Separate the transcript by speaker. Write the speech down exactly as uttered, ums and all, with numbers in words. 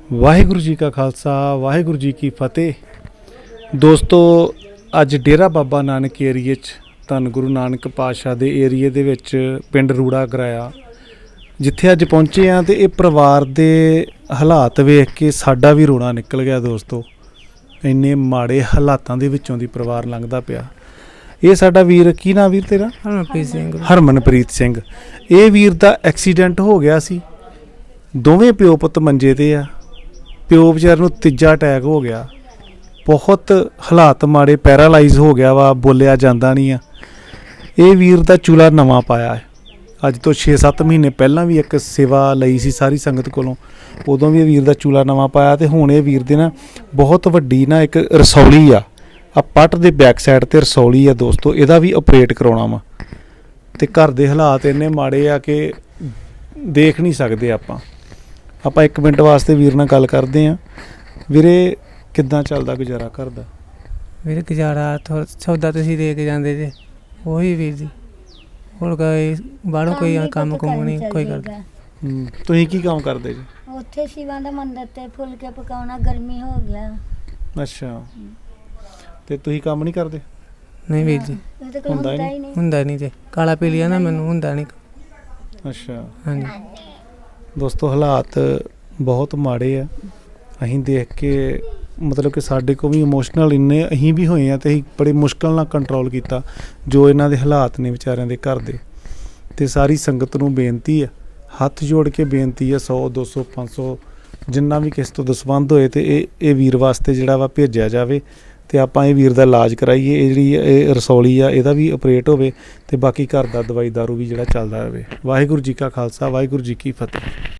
Speaker 1: ਵਾਹਿਗੁਰੂ ਜੀ ਕਾ ਖਾਲਸਾ ਵਾਹਿਗੁਰੂ ਜੀ ਕੀ ਫਤਿਹ। ਦੋਸਤੋ ਅੱਜ ਡੇਰਾ ਬਾਬਾ ਨਾਨਕ ਏਰੀਏ 'ਚ ਧੰਨ ਗੁਰੂ ਨਾਨਕ ਪਾਤਸ਼ਾਹ ਦੇ ਏਰੀਏ ਦੇ ਵਿੱਚ ਪਿੰਡ ਰੂੜਾ ਕਰਾਇਆ ਜਿੱਥੇ ਅੱਜ ਪਹੁੰਚੇ ਹਾਂ। ਤੇ ਇਹ ਪਰਿਵਾਰ ਦੇ ਹਾਲਾਤ ਵੇਖ ਕੇ ਸਾਡਾ ਵੀ ਰੋਣਾ ਨਿਕਲ ਗਿਆ ਦੋਸਤੋ। ਇੰਨੇ ਮਾੜੇ ਹਾਲਾਤਾਂ ਦੇ ਵਿੱਚੋਂ ਦੀ ਪਰਿਵਾਰ ਲੰਘਦਾ ਪਿਆ। ਇਹ ਸਾਡਾ ਵੀਰ, ਕੀ ਨਾਂ ਵੀਰ ਤੇਰਾ?
Speaker 2: ਹਰਮਨਪ੍ਰੀਤ ਸਿੰਘ।
Speaker 1: ਹਰਮਨਪ੍ਰੀਤ ਸਿੰਘ। ਇਹ ਵੀਰ ਦਾ ਐਕਸੀਡੈਂਟ ਹੋ ਗਿਆ ਸੀ। ਦੋਵੇਂ ਪਿਓ ਪੁੱਤ ਮੰਜੇ ਤੇ ਆ। ਪਿਓ ਵਿਚਾਰ ਨੂੰ ਤੀਜਾ ਅਟੈਕ ਹੋ ਗਿਆ। ਬਹੁਤ ਹਾਲਾਤ ਮਾੜੇ, ਪੈਰਾਲਾਈਜ਼ ਹੋ ਗਿਆ ਵਾ, ਬੋਲਿਆ ਜਾਂਦਾ ਨਹੀਂ ਆ। ਇਹ ਵੀਰ ਦਾ ਚੂਲਾ ਨਵਾਂ ਪਾਇਆ ਹੈ। ਅੱਜ ਤੋਂ ਛੇ ਸੱਤ ਮਹੀਨੇ ਪਹਿਲਾਂ ਵੀ ਇੱਕ ਸੇਵਾ ਲਈ ਸੀ ਸਾਰੀ ਸੰਗਤ ਕੋਲੋਂ, ਉਦੋਂ ਵੀ ਇਹ ਵੀਰ ਦਾ ਚੂਲਾ ਨਵਾਂ ਪਾਇਆ। ਤੇ ਹੁਣ ਇਹ ਵੀਰ ਦੇ ਨਾ ਬਹੁਤ ਵੱਡੀ ਨਾ ਇੱਕ ਰਸੌਲੀ ਆ, ਆ ਪੱਟ ਦੇ ਬੈਕ ਸਾਈਡ ਤੇ ਰਸੌਲੀ ਆ ਦੋਸਤੋ। ਇਹਦਾ ਵੀ ਆਪਰੇਟ ਕਰਾਉਣਾ ਵਾ। ਤੇ ਘਰ ਦੇ ਹਾਲਾਤ ਇੰਨੇ ਮਾੜੇ ਆ ਕਿ ਦੇਖ ਨਹੀਂ ਸਕਦੇ ਆਪਾਂ। ਆਪਾਂ ਇੱਕ ਮਿੰਟ ਵਾਸਤੇ ਵੀਰ ਨਾਲ ਗੱਲ ਕਰਦੇ ਹਾਂ। ਵੀਰੇ, ਕਿੱਦਾਂ ਚੱਲਦਾ ਗੁਜ਼ਾਰਾ ਘਰ ਦਾ?
Speaker 2: ਵੀਰ ਗੁਜ਼ਾਰਾ ਥੋੜ੍ਹਾ ਸੌਦਾ ਤੁਸੀਂ ਦੇ ਕੇ ਜਾਂਦੇ ਜੇ ਉਹੀ ਵੀਰ ਜੀ, ਹੋਰ ਕੋਈ ਬਾਹਰੋਂ ਕੋਈ ਕੰਮ ਕੁਮ ਨਹੀਂ ਕੋਈ ਕਰਦਾ।
Speaker 1: ਹੂੰ, ਤੁਸੀਂ ਕੀ ਕੰਮ ਕਰਦੇ ਜੀ?
Speaker 3: ਉੱਥੇ ਸ਼ਿਵਾਂ ਦਾ ਮੰਦਰ ਤੇ ਫੁਲਕੇ ਪਕਾਉਣਾ, ਗਰਮੀ ਹੋ ਗਿਆ।
Speaker 1: ਅੱਛਾ, ਤੇ ਤੁਸੀਂ ਕੰਮ ਨਹੀਂ ਕਰਦੇ?
Speaker 2: ਨਹੀਂ ਵੀਰ ਜੀ,
Speaker 3: ਇਹ ਤਾਂ ਕੋਈ
Speaker 1: ਹੁੰਦਾ ਹੀ
Speaker 3: ਹੁੰਦਾ ਹੀ ਨਹੀਂ।
Speaker 2: ਹੁੰਦਾ ਨਹੀਂ ਜੇ ਕਾਲਾ ਪੀਲੀਆ ਨਾ ਮੈਨੂੰ ਹੁੰਦਾ ਨਹੀਂ।
Speaker 1: ਅੱਛਾ
Speaker 2: ਹਾਂਜੀ
Speaker 1: ਦੋਸਤੋ, ਹਾਲਾਤ ਬਹੁਤ ਮਾੜੇ ਆ। ਅਸੀਂ ਦੇਖ ਕੇ ਮਤਲਬ ਕਿ ਸਾਡੇ ਕੋਲ ਵੀ ਇਮੋਸ਼ਨਲ ਇੰਨੇ ਅਸੀਂ ਵੀ ਹੋਏ ਆ। ਤੇ ਅਸੀਂ ਬੜੇ ਮੁਸ਼ਕਲ ਨਾਲ ਕੰਟਰੋਲ ਕੀਤਾ ਜੋ ਇਹਨਾਂ ਦੇ ਹਾਲਾਤ ਨੇ ਵਿਚਾਰਿਆਂ ਦੇ ਘਰ ਦੇ। ਤੇ ਸਾਰੀ ਸੰਗਤ ਨੂੰ ਬੇਨਤੀ ਆ, ਹੱਥ ਜੋੜ ਕੇ ਬੇਨਤੀ ਆ, ਸੌ ਦੋ ਸੌ ਪੰਜ ਸੌ ਜਿੰਨਾ ਵੀ ਕਿਸ ਤੋਂ ਦਸਵੰਧ ਹੋਏ ਤੇ ਇਹ ਇਹ ਵੀਰ ਵਾਸਤੇ ਜਿਹੜਾ ਵਾ ਭੇਜਿਆ ਜਾਵੇ। ਤੇ ਆਪਾਂ ਇਹ ਵੀਰ ਦਾ ਇਲਾਜ ਕਰਾਈਏ। ਇਹ ਜਿਹੜੀ ਇਹ ਰਸੌਲੀ ਆ ਇਹਦਾ ਵੀ ਆਪਰੇਟ ਹੋਵੇ ਤੇ ਬਾਕੀ ਘਰ ਦਾ ਦਵਾਈ ਦਾਰੂ ਵੀ ਜਿਹੜਾ ਚੱਲਦਾ ਰਹੇ। ਵਾਹਿਗੁਰੂ ਜੀ ਕਾ ਖਾਲਸਾ ਵਾਹਿਗੁਰੂ ਜੀ ਕੀ ਫਤਿਹ।